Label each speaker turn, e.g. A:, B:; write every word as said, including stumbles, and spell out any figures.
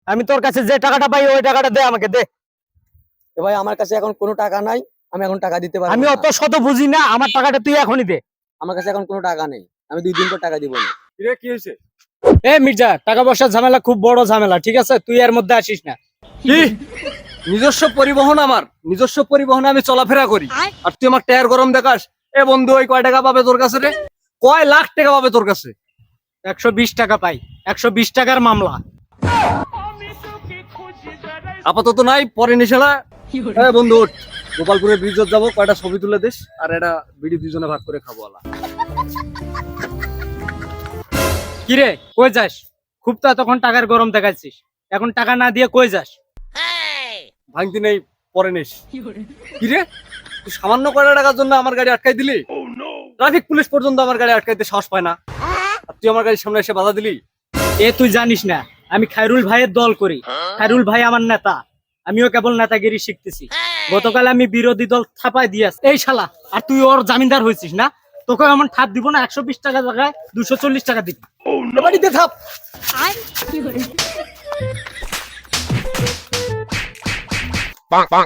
A: আমি তোর কাছে যে টাকাটা পাই ওই টাকাটা দে আমাকে দে।
B: এ ভাই আমার কাছে এখন কোনো টাকা নাই, আমি এখন টাকা দিতে পারবো
A: আমি
B: না।
A: অত শত বুঝি না, আমার টাকাটা তুই এখনই দে।
B: আমার কাছে এখন কোনো টাকা নেই, আমি দুই দিন পর টাকা দিব না।
C: কিরে কি হয়েছে?
A: এ মির্জা, টাকা পয়সার ঝামেলা খুব বড় ঝামেলা, ঠিক আছে? তুই এর মধ্যে আসিস না।
C: কি নিজস্ব পরিবহন? আমার নিজস্ব পরিবহনে আমি চলাফেরা করি, আর তুই আমার টায়ার গরম দেখাস? এ বন্ধু, ওই কয় টাকা পাবে তোর কাছে রে? কয় লাখ টাকা পাবে তোর কাছে?
A: একশো বিশ টাকা পাই, একশো বিশ টাকার মামলা।
C: আপাতত নাই, পরে নিশালা। এ বন্ধু ওঠ, গোপালপুরের ব্রিজত যাবো, কয়টা ছবি তুলে দিস, আর এটা বিড়ি দুজনে ভাগ করে খাবো আলা।
A: কিরে কই যাস? খুব তো এতক্ষণ টাকার গরম দেখাচ্ছিস, এখন টাকা না দিয়ে কই যাস?
C: ভাঙতি নেই, পরে নিস। কিরে তুই সামান্য কয়টা টাকার জন্য আমার গাড়ি আটকাই দিলি? ট্রাফিক পুলিশ পর্যন্ত আমার গাড়ি আটকাইতে সাহস পায় না, আর তুই আমার গাড়ির সামনে এসে বাধা দিলি।
A: এ তুই জানিস না আমি খায়রুল ভাইয়ের দল করি, খায়রুল ভাই আমার নেতা, আমিও কেবল নেতাগিরি শিখতেছি। গতকাল আমি বিরোধী দল থাপায় দিয়েছি এই শালা, আর তুই ওর জামিনদার হয়েছিস না? তোকে এমন ঠাপ দিব না, একশো বিশ টাকা জায়গায় দুশো চল্লিশ টাকা দিবি।
C: বাড়িতে থাপ।
D: Bonk, bonk.